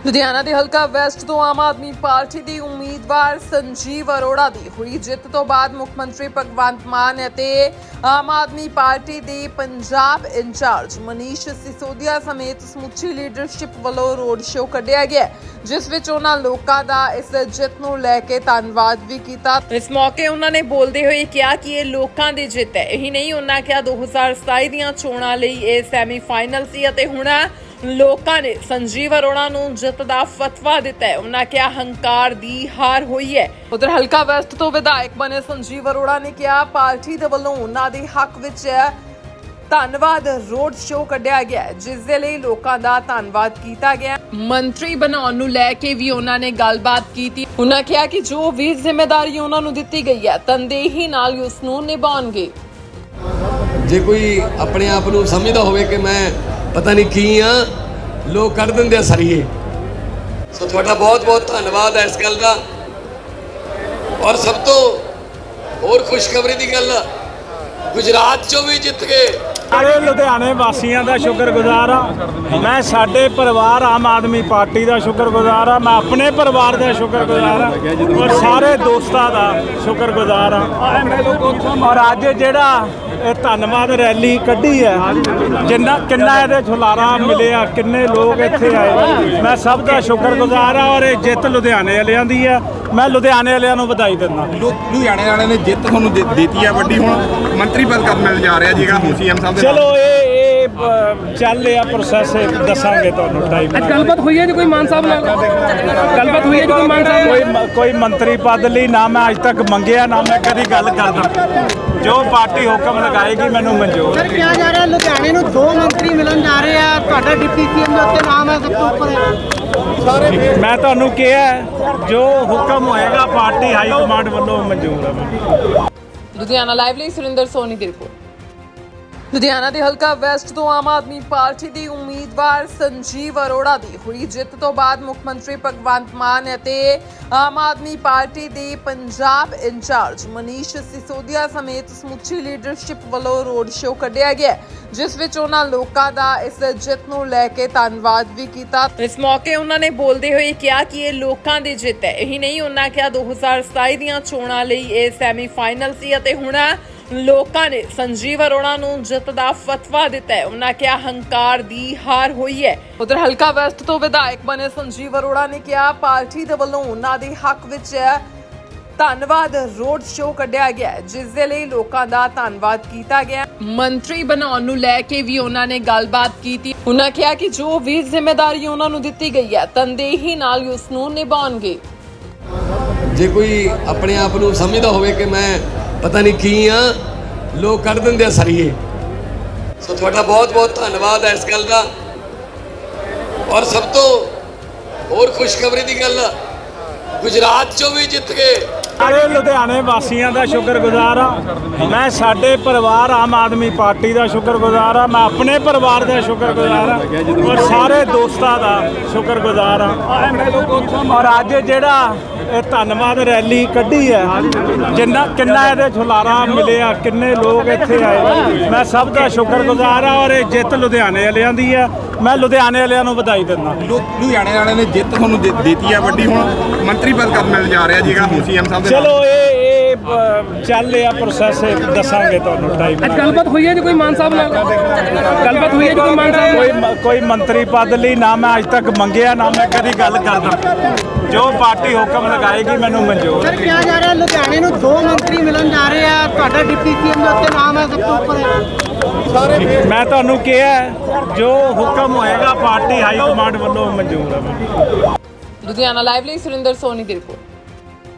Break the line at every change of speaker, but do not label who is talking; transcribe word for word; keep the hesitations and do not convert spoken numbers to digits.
ਲੁਧਿਆਣਾ ਦੇ ਹਲਕਾ ਵੈਸਟ ਤੋਂ ਆਮ ਆਦਮੀ ਪਾਰਟੀ ਦੀ ਉਮੀਦਵਾਰ ਸੰਜੀਵ ਅਰੋੜਾ ਦੀ ਹੋਈ ਜਿੱਤ ਤੋਂ ਬਾਅਦ ਮੁੱਖ ਮੰਤਰੀ ਭਗਵੰਤ ਮਾਨ ਅਤੇ ਆਮ ਆਦਮੀ ਪਾਰਟੀ ਦੇ ਪੰਜਾਬ ਇੰਚਾਰਜ ਮਨੀਸ਼ ਸਿਸੋਦੀਆ ਸਮੇਤ ਸਮੁੱਚੀ ਲੀਡਰਸ਼ਿਪ ਵੱਲੋਂ ਰੋਡ ਸ਼ੋਅ ਕੱਢਿਆ ਗਿਆ, ਜਿਸ ਵਿੱਚ ਉਹਨਾਂ ਲੋਕਾਂ ਦਾ ਇਸ ਜਿੱਤ ਨੂੰ ਲੈ ਕੇ ਧੰਨਵਾਦ ਵੀ ਕੀਤਾ। ਇਸ ਮੌਕੇ ਉਹਨਾਂ ਨੇ ਬੋਲਦੇ ਹੋਏ ਕਿਹਾ ਕਿ ਇਹ ਲੋਕਾਂ ਦੀ ਜਿੱਤ ਹੈ। ਇਹੀ ਨਹੀਂ, ਉਹਨਾਂ ਕਿਹਾ ਦੋ ਹਜ਼ਾਰ ਸਤਾਈ ਦੀਆਂ ਚੋਣਾਂ ਲਈ ਇਹ ਸੈਮੀ ਫਾਈਨਲ ਸੀ ਅਤੇ ਹੁਣ ਲੋਕਾਂ ਨੇ ਸੰਜੀਵ ਅਰੋੜਾ ਨੂੰ ਜਿੱਤ ਦਾ ਫਤਵਾ ਦਿੱਤਾ ਹੈ। ਉਹਨਾਂ ਕਿਹਾ ਹੰਕਾਰ ਦੀ ਹਾਰ ਹੋਈ ਹੈ। ਉਧਰ ਹਲਕਾ ਵੈਸਟ ਤੋਂ ਵਿਧਾਇਕ ਬਣੇ ਸੰਜੀਵ ਅਰੋੜਾ ਨੇ ਕਿਹਾ ਪਾਰਟੀ ਦੇ ਵੱਲੋਂ ਉਹਨਾਂ ਦੇ ਹੱਕ ਵਿੱਚ ਧੰਨਵਾਦ ਰੋਡ ਸ਼ੋਅ ਕੱਢਿਆ ਗਿਆ, ਜਿਸ ਦੇ ਲਈ ਲੋਕਾਂ ਦਾ ਧੰਨਵਾਦ ਕੀਤਾ ਗਿਆ। ਮੰਤਰੀ ਬਣਾਉਣ ਨੂੰ ਲੈ ਕੇ ਵੀ ਉਹਨਾਂ ਨੇ ਗੱਲਬਾਤ ਕੀਤੀ। ਉਹਨਾਂ ਕਿਹਾ ਕਿ ਜੋ ਵੀ ਜ਼ਿੰਮੇਵਾਰੀ ਉਹਨਾਂ ਨੂੰ ਦਿੱਤੀ ਗਈ ਹੈ ਤਨਦੇਹੀ ਨਾਲ ਉਸ ਨੂੰ ਨਿਭਾਉਣਗੇ।
ਜੇ ਕੋਈ ਆਪਣੇ ਆਪ ਨੂੰ ਸਮਝਦਾ ਹੋਵੇ ਕਿ ਮੈਂ ਪਤਾ ਨਹੀਂ ਕੀ ਆ, ਲੋਕ ਕੱਢ ਦਿੰਦੇ ਆ ਸਰੀਏ। ਸੋ ਤੁਹਾਡਾ ਬਹੁਤ ਬਹੁਤ ਧੰਨਵਾਦ ਹੈ ਇਸ ਗੱਲ ਦਾ। ਔਰ ਸਭ ਤੋਂ ਹੋਰ ਖੁਸ਼ਖਬਰੀ ਦੀ ਗੱਲ, ਗੁਜਰਾਤ ਚੋਂ ਵੀ ਜਿੱਤ ਗਏ।
ਸਾਰੇ ਲੁਧਿਆਣੇ ਵਾਸੀਆਂ ਦਾ ਸ਼ੁਕਰਗੁਜ਼ਾਰ ਆ। ਮੈਂ ਸਾਡੇ ਪਰਿਵਾਰ ਆਮ ਆਦਮੀ ਪਾਰਟੀ ਦਾ ਸ਼ੁਕਰਗੁਜ਼ਾਰ ਆ। ਮੈਂ ਆਪਣੇ ਪਰਿਵਾਰ ਦਾ ਸ਼ੁਕਰਗੁਜ਼ਾਰ ਆ ਔਰ ਸਾਰੇ ਦੋਸਤਾਂ ਦਾ ਸ਼ੁਕਰਗੁਜ਼ਾਰ ਆ। ਔਰ ਅੱਜ ਜਿਹੜਾ ਇਹ ਧੰਨਵਾਦ ਰੈਲੀ ਕੱਢੀ ਹੈ, ਜਿੰਨਾ ਕਿੰਨਾ ਇਹਦੇ ਛੁਲਾਰਾ ਮਿਲਿਆ, ਕਿੰਨੇ ਲੋਕ ਇੱਥੇ ਆਏ, ਮੈਂ ਸਭ ਦਾ ਸ਼ੁਕਰਗੁਜ਼ਾਰ ਆ। ਔਰ ਇਹ ਜਿੱਤ ਲੁਧਿਆਣੇ ਵਾਲਿਆਂ ਦੀ ਹੈ। ਮੈਂ ਲੁਧਿਆਣੇ ਵਾਲਿਆਂ ਨੂੰ ਵਧਾਈ ਦਿੰਦਾ।
ਲੁਧਿਆਣੇ ਵਾਲਿਆਂ ਨੇ ਜਿੱਤ ਤੁਹਾਨੂੰ ਦਿੱਤੀ ਹੈ ਵੱਡੀ। ਹੁਣ ਮੰਤਰੀ ਪਦ ਕਦ ਮਿਲ ਜਾ ਰਿਹਾ ਜੀਗਾ ਹੁਣ ਸੀਐਮ ਸਾਹਿਬ ਦੇ।
ਚਲੋ ਇਹ ਇਹ ਚੱਲ ਰਿਹਾ ਪ੍ਰੋਸੈਸ, ਦੱਸਾਂਗੇ ਤੁਹਾਨੂੰ ਟਾਈਮ।
ਅੱਜ ਗੱਲਬਾਤ ਹੋਈ ਹੈ ਜੀ ਕੋਈ ਮਾਨ ਸਾਹਿਬ ਨਾਲ? ਗੱਲਬਾਤ ਹੋਈ ਹੈ ਜੀ ਕੋਈ ਮਾਨ ਸਾਹਿਬ?
ਕੋਈ ਕੋਈ ਮੰਤਰੀ ਪਦ ਲਈ ਨਾ ਮੈਂ ਅੱਜ ਤੱਕ ਮੰਗਿਆ, ਨਾ ਮੈਂ ਕਦੀ ਗੱਲ ਕਰਦਾ। ਜੋ ਪਾਰਟੀ ਹੁਕਮ ਲਗਾਏਗੀ ਮੈਨੂੰ ਮਨਜ਼ੂਰ।
ਸਰ ਕਿਹਾ ਜਾ ਰਿਹਾ ਲੁਧਿਆਣੇ ਨੂੰ ਦੋ ਮੰਤਰੀ ਮਿਲਣ ਜਾ ਰਹੇ ਆ, ਤੁਹਾਡਾ ਡਿਪਟੀ ਸੀਐਮ ਦੇ ਉੱਤੇ ਨਾਮ ਹੈ, ਸਭ ਤੋਂ ਉੱਪਰ ਹੈ।
ਮੈਂ ਤੁਹਾਨੂੰ ਕਿਹਾ ਜੋ ਹੁਕਮ ਹੋਏਗਾ ਪਾਰਟੀ ਹਾਈ ਕਮਾਂਡ ਵੱਲੋਂ ਮਨਜ਼ੂਰ ਹੈ।
ਲੁਧਿਆਣਾ ਲਾਈਵ ਲਈ ਸੁਰਿੰਦਰ ਸੋਨੀ ਦੀ ਰਿਪੋਰਟ। ਲੁਧਿਆਣਾ ਦੇ ਹਲਕਾ ਵੈਸਟ ਤੋਂ ਆਮ ਆਦਮੀ ਪਾਰਟੀ ਦੀ ਉਮੀਦਵਾਰ ਸੰਜੀਵ ਅਰੋੜਾ ਦੀ ਹੋਈ ਜਿੱਤ ਤੋਂ ਬਾਅਦ ਮੁੱਖ ਮੰਤਰੀ ਭਗਵੰਤ ਮਾਨ ਅਤੇ ਆਮ ਆਦਮੀ ਪਾਰਟੀ ਦੇ ਪੰਜਾਬ ਇੰਚਾਰਜ ਮਨੀਸ਼ ਸਿਸੋਦੀਆ ਸਮੇਤ ਸਮੁੱਚੀ ਲੀਡਰਸ਼ਿਪ ਵੱਲੋਂ ਰੋਡ ਸ਼ੋਅ ਕੱਢਿਆ ਗਿਆ, ਜਿਸ ਵਿੱਚ ਉਹਨਾਂ ਲੋਕਾਂ ਦਾ ਇਸ ਜਿੱਤ ਨੂੰ ਲੈ ਕੇ ਧੰਨਵਾਦ ਵੀ ਕੀਤਾ। ਇਸ ਮੌਕੇ ਉਹਨਾਂ ਨੇ ਬੋਲਦੇ ਹੋਏ ਕਿਹਾ ਕਿ ਇਹ ਲੋਕਾਂ ਦੀ ਜਿੱਤ ਹੈ। ਇਹੀ ਨਹੀਂ, ਉਹਨਾਂ ਕਿਹਾ ਦੋ ਹਜ਼ਾਰ ਸਤਾਈ ਦੀਆਂ ਚੋਣਾਂ ਲਈ ਇਹ ਸੈਮੀ ਫਾਈਨਲ ਸੀ ਅਤੇ ਹੁਣ ਲੋਕਾਂ ਨੇ ਸੰਜੀਵ ਅਰੋੜਾ ਨੂੰ ਜਿੱਤ ਦਾ ਫਤਵਾ ਦਿੱਤਾ ਹੈ। ਉਹਨਾਂ ਕਿਹਾ ਹੰਕਾਰ ਦੀ ਹਾਰ ਹੋਈ ਹੈ। ਉਧਰ ਹਲਕਾ ਵੈਸਟ ਤੋਂ ਵਿਧਾਇਕ ਬਣੇ ਸੰਜੀਵ ਅਰੋੜਾ ਨੇ ਕਿਹਾ ਪਾਰਟੀ ਦੇ ਵੱਲੋਂ ਉਹਨਾਂ ਦੇ ਹੱਕ ਵਿੱਚ ਧੰਨਵਾਦ ਰੋਡ ਸ਼ੋਅ ਕੱਢਿਆ ਗਿਆ, ਜਿਸ ਦੇ ਲਈ ਲੋਕਾਂ ਦਾ ਧੰਨਵਾਦ ਕੀਤਾ ਗਿਆ। ਮੰਤਰੀ ਬਣਾਉਣ ਨੂੰ ਲੈ ਕੇ ਵੀ ਉਹਨਾਂ ਨੇ ਗੱਲਬਾਤ ਕੀਤੀ। ਉਹਨਾਂ ਕਿਹਾ ਕਿ ਜੋ ਵੀ ਜ਼ਿੰਮੇਵਾਰੀ ਉਹਨਾਂ ਨੂੰ ਦਿੱਤੀ ਗਈ ਹੈ ਤਨਦੇਹੀ ਨਾਲ ਉਸ ਨੂੰ ਨਿਭਾਉਣਗੇ।
ਜੇ ਕੋਈ ਆਪਣੇ ਆਪ ਨੂੰ ਸਮਝਦਾ ਹੋਵੇ ਕਿ ਮੈਂ ਪਤਾ ਨਹੀਂ ਕੀ ਆ, ਲੋਕ ਕੱਢ ਦਿੰਦੇ ਆ ਸਰੀਏ। ਸੋ ਤੁਹਾਡਾ ਬਹੁਤ ਬਹੁਤ ਧੰਨਵਾਦ ਹੈ ਇਸ ਗੱਲ ਦਾ। ਔਰ ਸਭ ਤੋਂ ਹੋਰ ਖੁਸ਼ਖਬਰੀ ਦੀ ਗੱਲ, ਗੁਜਰਾਤ ਚੋਂ ਵੀ ਜਿੱਤ ਗਏ।
ਸਾਰੇ ਲੁਧਿਆਣੇ ਵਾਸੀਆਂ ਦਾ ਸ਼ੁਕਰਗੁਜ਼ਾਰ ਆ। ਮੈਂ ਸਾਡੇ ਪਰਿਵਾਰ ਆਮ ਆਦਮੀ ਪਾਰਟੀ ਦਾ ਸ਼ੁਕਰਗੁਜ਼ਾਰ ਆ। ਮੈਂ ਆਪਣੇ ਪਰਿਵਾਰ ਦਾ ਸ਼ੁਕਰਗੁਜ਼ਾਰ ਆ ਔਰ ਸਾਰੇ ਦੋਸਤਾਂ ਦਾ ਸ਼ੁਕਰਗੁਜ਼ਾਰ ਆ। ਔਰ ਅੱਜ ਜਿਹੜਾ ਇਹ ਧੰਨਵਾਦ ਰੈਲੀ ਕੱਢੀ ਹੈ, ਜਿੰਨਾ ਕਿੰਨਾ ਇਹਦੇ ਛੁਲਾਰਾ ਮਿਲਿਆ, ਕਿੰਨੇ ਲੋਕ ਇੱਥੇ ਆਏ, ਮੈਂ ਸਭ ਦਾ ਸ਼ੁਕਰਗੁਜ਼ਾਰ ਆ। ਔਰ ਇਹ ਜਿੱਤ ਲੁਧਿਆਣੇ ਵਾਲਿਆਂ ਦੀ ਹੈ। ਮੈਂ ਲੁਧਿਆਣੇ ਵਾਲਿਆਂ ਨੂੰ ਵਧਾਈ ਦਿੰਦਾ।
ਲੁਧਿਆਣੇ ਵਾਲਿਆਂ ਨੇ ਜਿੱਤ ਤੁਹਾਨੂੰ ਦਿੱਤੀ ਹੈ ਵੱਡੀ। ਹੁਣ ਮੰਤਰੀ ਪਦ ਕਦ ਮਿਲ ਜਾ ਰਿਹਾ ਜੀਗਾ ਹੁਣ ਸੀਐਮ ਸਾਹਿਬ ਦੇ।
ਚਲੋ ਇਹ ਇਹ ਚੱਲ ਰਿਹਾ ਪ੍ਰੋਸੈਸ, ਦੱਸਾਂਗੇ ਤੁਹਾਨੂੰ ਟਾਈਮ।
ਅੱਜ ਗੱਲਬਾਤ ਹੋਈ ਹੈ ਜੀ ਕੋਈ ਮਾਨ ਸਾਹਿਬ ਨਾਲ? ਗੱਲਬਾਤ ਹੋਈ ਹੈ ਜੀ ਕੋਈ ਮਾਨ ਸਾਹਿਬ?
ਕੋਈ ਕੋਈ ਮੰਤਰੀ ਪਦ ਲਈ ਨਾ ਮੈਂ ਅੱਜ ਤੱਕ ਮੰਗਿਆ, ਨਾ ਮੈਂ ਕਦੀ ਗੱਲ ਕਰਦਾ। ਜੋ ਪਾਰਟੀ ਹੁਕਮ ਲਗਾਏਗੀ ਮੈਨੂੰ ਮਨਜ਼ੂਰ।
ਸਰ ਕਿਹਾ ਜਾ ਰਿਹਾ ਲੁਧਿਆਣੇ ਨੂੰ ਦੋ ਮੰਤਰੀ ਮਿਲਣ ਜਾ ਰਹੇ ਆ, ਤੁਹਾਡਾ ਡਿਪਟੀ ਸੀਐਮ ਦੇ ਉੱਤੇ ਨਾਮ ਹੈ, ਸਭ ਤੋਂ ਉੱਪਰ ਹੈ।
ਮੈਂ ਤੁਹਾਨੂੰ ਕਿਹਾ ਜੋ ਹੁਕਮ ਹੋਏਗਾ ਪਾਰਟੀ ਹਾਈ ਕਮਾਂਡ ਵੱਲੋਂ ਮਨਜ਼ੂਰ ਹੈ।
ਲੁਧਿਆਣਾ ਲਾਈਵ ਲਈ ਸੁਰਿੰਦਰ ਸੋਨੀ ਦੀ ਰਿਪੋਰਟ।